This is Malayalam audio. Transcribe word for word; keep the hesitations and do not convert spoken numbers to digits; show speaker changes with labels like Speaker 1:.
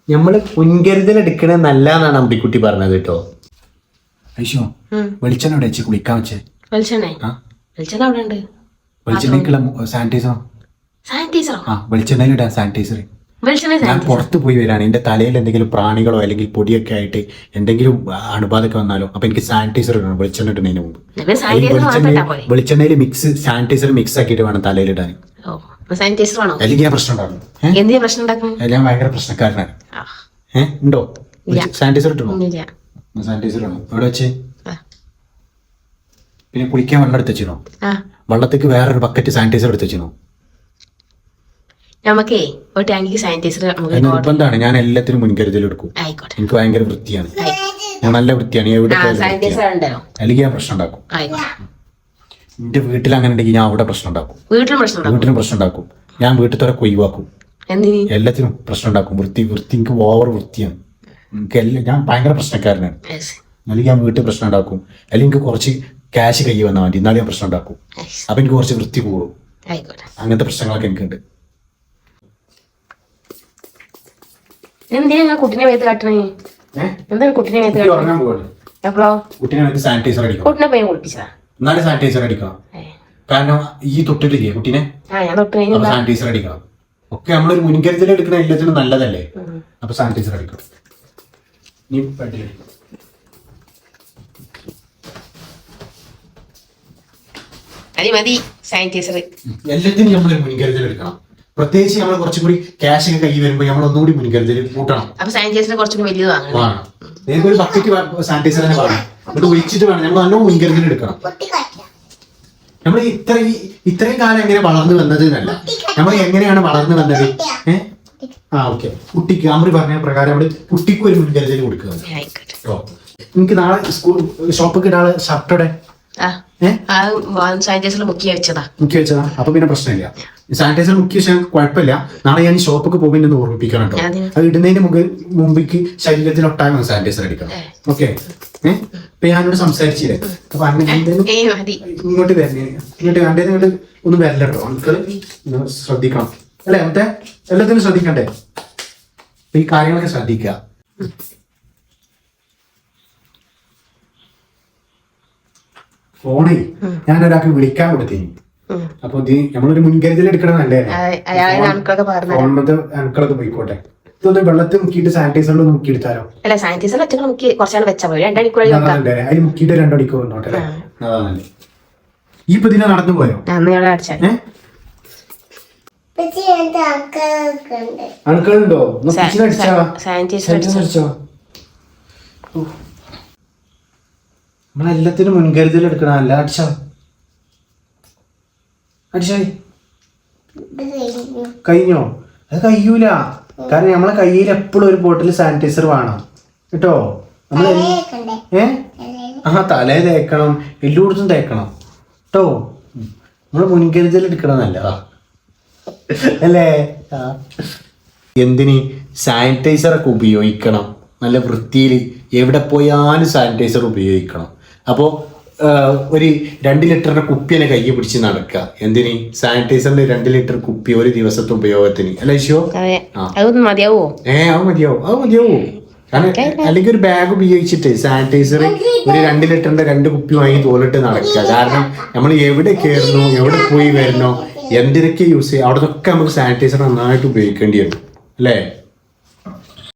Speaker 1: നമ്മള് മുൻകരുതൽ എടുക്കണ നല്ലതാണ് അമ്പിക്കുട്ടി പറഞ്ഞത് കേട്ടോ.
Speaker 2: ഐശോ വെളിച്ചെണ്ണ അവിടെ വെച്ച് കുളിക്കാൻ വെച്ചേ.
Speaker 3: വെളിച്ചെണ്ണ വെളിച്ചെണ്ണ അവിടെ ഉണ്ട്.
Speaker 2: വെളിച്ചെണ്ണയ്ക്കുള്ള സാനിറ്റൈസറോ?
Speaker 3: സാനിറ്റൈസറോ?
Speaker 2: ആ വെളിച്ചെണ്ണയിലിടാൻ സാനിറ്റൈസർ. ഞാൻ പുറത്ത് പോയി വരാണ്, എന്റെ തലയിൽ എന്തെങ്കിലും പ്രാണികളോ അല്ലെങ്കിൽ പൊടിയൊക്കെ ആയിട്ട് എന്തെങ്കിലും അണുബാധയൊക്കെ വന്നാലോ, അപ്പൊ എനിക്ക് സാനിറ്റൈസർ ഇടണം വെളിച്ചെണ്ണ ഇടുന്നതിന് മുമ്പ്. വെളിച്ചെണ്ണയിൽ മിക്സ് സാനിറ്റൈസർ മിക്സ് ആക്കിയിട്ട് വേണം തലയിലിടാൻ. അല്ലെങ്കിൽ ഞാൻ പ്രശ്നം ഉണ്ടാകും. ഞാൻ ഭയങ്കര പ്രശ്നക്കാരനാണ്. ഏഹ് ഉണ്ടോ? സാനിറ്റൈസർ ഇട്ടണോ? സാനിറ്റൈസർ ഇടണം. എവിടെ വെച്ച്? പിന്നെ കുളിക്കാൻ വെള്ളം എടുത്ത് വെച്ചിരുന്നോ? വെള്ളത്തേക്ക് വേറൊരു ബക്കറ്റ് സാനിറ്റൈസർ എടുത്ത് വെച്ചിരുന്നോ?
Speaker 3: നമുക്കേ ഒരു ടാങ്കിക്ക് സാനിറ്റൈസർ
Speaker 2: നിർബന്ധമാണ്. ഞാൻ എല്ലാത്തിനും മുൻകരുതൽ എടുക്കും. എനിക്ക് ഭയങ്കര വൃത്തിയാണ്, ഞാൻ നല്ല വൃത്തിയാണ്. എവിടെ അല്ലെങ്കിൽ ഞാൻ പ്രശ്നം ഉണ്ടാക്കും. എന്റെ വീട്ടിൽ അങ്ങനെ ഉണ്ടെങ്കിൽ ഞാൻ അവിടെ പ്രശ്നം ഉണ്ടാക്കും. വീട്ടിലും പ്രശ്നം ഉണ്ടാക്കും. ഞാൻ വീട്ടിലത്തെ ഒഴിവാക്കും. എല്ലാത്തിനും പ്രശ്നം ഉണ്ടാക്കും. വൃത്തി വൃത്തി എനിക്ക് ഓവർ വൃത്തിയാണ്. എനിക്ക് എല്ലാം ഞാൻ ഭയങ്കര പ്രശ്നക്കാരനാണ്. അല്ലെങ്കിൽ ഞാൻ വീട്ടിൽ പ്രശ്നം ഉണ്ടാക്കും. അല്ലെങ്കിൽ എനിക്ക് കുറച്ച് ക്യാഷ് കൈ വന്നാൽ മതി, എന്നാലും ഞാൻ പ്രശ്നം ഉണ്ടാക്കും. അപ്പൊ എനിക്ക് കുറച്ച് വൃത്തി കൂടും. അങ്ങനത്തെ പ്രശ്നങ്ങളൊക്കെ എനിക്കുണ്ട്.
Speaker 3: എന്തിനാ കുട്ടിനെ മേത്ത് കാട്ടണേ? എന്താണ് കുട്ടിനെ മേത്ത്
Speaker 2: സാനിറ്റൈസർ അടിക്കണം.
Speaker 3: കുട്ടിനെ പോയി കുളിപ്പിച്ചാ
Speaker 2: എന്നാലും സാനിറ്റൈസർ അടിക്കണം. കാരണം ഈ തൊട്ടില്ലേ കുട്ടീനെ, സാനിറ്റൈസർ അടിക്കണം. ഒക്കെ നമ്മളൊരു മുൻകരുതൽ എടുക്കണ എല്ലാത്തിനും നല്ലതല്ലേ. അപ്പൊ സാനിറ്റൈസർ അടിക്കണം. നീ
Speaker 3: മതി സാനിറ്റൈസർ.
Speaker 2: എല്ലാത്തിനും നമ്മളൊരു മുൻകരുതൽ എടുക്കണം. പ്രത്യേകിച്ച് നമ്മൾ കുറച്ചും കൂടി ക്യാഷ് ഒക്കെ കൈ വരുമ്പോൾ നമ്മൾ ഒന്നുകൂടി മുൻകരുതൽ കൂട്ടണം.
Speaker 3: അപ്പൊ സാനിറ്റൈസർ കുറച്ചും വലിയത് വാങ്ങണം.
Speaker 2: നിങ്ങൾക്ക് ഒരു ബക്കറ്റ് സാനിറ്റൈസർ തന്നെ വാങ്ങണം. എന്നിട്ട് ഒഴിച്ചിട്ട് വേണം നമ്മൾ നല്ല മുൻകരുതൽ എടുക്കണം. നമ്മൾ ഇത്ര ഇത്രയും കാലം എങ്ങനെ വളർന്നു വന്നത് എന്നല്ല, നമ്മൾ എങ്ങനെയാണ് വളർന്നു വന്നത്. ഏഹ് ആ ഓക്കെ. കുട്ടിക്ക് അമ്മ പറഞ്ഞ പ്രകാരം നമ്മൾ കുട്ടിക്ക് ഒരു മുൻകരുതൽ കൊടുക്കുക. എനിക്ക് നാളെ സ്കൂൾ ഷോപ്പിൽ നാളെ ഷർട്ടോടെ
Speaker 3: സാനിറ്റൈസർ മുക്കി വെച്ചതാ
Speaker 2: മുക്കി വെച്ചതാ അപ്പൊ പിന്നെ പ്രശ്നമില്ല. സാനിറ്റൈസർ മുക്കി വെച്ചാൽ കുഴപ്പമില്ല. നാളെ ഞാൻ ഷോപ്പൊക്കെ പോകുമ്പോൾ എന്നെ ഓർമ്മിപ്പിക്കണം കേട്ടോ. അത് ഇടുന്നതിന് മുമ്പ് മുമ്പിക്ക് ശരീരത്തിൽ ഒട്ടാകണം സാനിറ്റൈസർ അടിക്കണം. ഓക്കെ. ഏഹ് ഇപ്പൊ ഞാനോട് സംസാരിച്ചില്ലേ, അപ്പൊ ഇങ്ങോട്ട് വരണേ, ഇങ്ങോട്ട് കണ്ടേ ഇങ്ങോട്ട് ഒന്ന് വരില്ല കേട്ടോ. നമുക്ക് ശ്രദ്ധിക്കണം അല്ലെ? മറ്റേ എല്ലാത്തിനും ശ്രദ്ധിക്കണ്ടേ? ഈ കാര്യങ്ങളൊക്കെ ശ്രദ്ധിക്കുക. ഫോണേ ഞാൻ ഒരാൾക്ക് വിളിക്കാൻ കൊടുത്തേ. അപ്പൊ ഇത് നമ്മളൊരു മുൻകരുതൽ എടുക്കണം നല്ലേ. അണുക്കളൊക്കെ പോയിക്കോട്ടെ. ഇതൊന്ന് വെള്ളത്തിൽ മുക്കിയിട്ട് സാനിറ്റൈസറിൽ മുക്കിയെടുത്താലോ?
Speaker 3: അല്ല സാനിറ്റൈസർ
Speaker 2: അതിൽ മുക്കിയിട്ട് രണ്ടു മണിക്കൂർ ഉണ്ടോട്ടെ. അതാണല്ലേ. ഈ ഇപ്പൊ ഇതിനെ നടന്നു പോയോ? അണുക്കളുണ്ടോ? അടിച്ചോ? നമ്മളെല്ലാത്തിനും മുൻകരുതൽ എടുക്കണം. അല്ല അടിച്ചോ? അടിച്ചായി കഴിഞ്ഞോ? അത് കഴിയൂല. കാരണം നമ്മളെ കയ്യിൽ എപ്പോഴും ഒരു ബോട്ടിൽ സാനിറ്റൈസർ വേണം കേട്ടോ. നമ്മൾ ഏ ആ തലേ തേക്കണം, എല്ലായിടത്തും തേക്കണം കേട്ടോ. നമ്മള് മുൻകരുതൽ എടുക്കണം നല്ലതാ അല്ലേ? എന്തിന് സാനിറ്റൈസർ ഒക്കെ ഉപയോഗിക്കണം. നല്ല വൃത്തിയിൽ എവിടെ പോയാലും സാനിറ്റൈസർ ഉപയോഗിക്കണം. അപ്പോൾ ഒരു രണ്ട് ലിറ്ററിന്റെ കുപ്പി തന്നെ കൈ പിടിച്ച് നടക്കുക. എന്തിന്? സാനിറ്റൈസറിന്റെ രണ്ട് ലിറ്റർ കുപ്പി ഒരു ദിവസത്തെ ഉപയോഗത്തിന് അല്ലേ ഷോ?
Speaker 3: മതിയാവോ?
Speaker 2: ഏ അത് മതിയാവോ? അത് മതിയാവോ? കാരണം അല്ലെങ്കിൽ ഒരു ബാഗ് ഉപയോഗിച്ചിട്ട് സാനിറ്റൈസർ ഒരു രണ്ട് ലിറ്ററിന്റെ രണ്ട് കുപ്പി വാങ്ങി തോലിട്ട് നടക്കുക. കാരണം നമ്മൾ എവിടെ കയറുന്നു, എവിടെ പോയി വരുന്നോ, എന്തിനൊക്കെ യൂസ് ചെയ്യുക, അവിടെ നിന്നൊക്കെ നമുക്ക് സാനിറ്റൈസർ നന്നായിട്ട് ഉപയോഗിക്കേണ്ടി വരും അല്ലേ?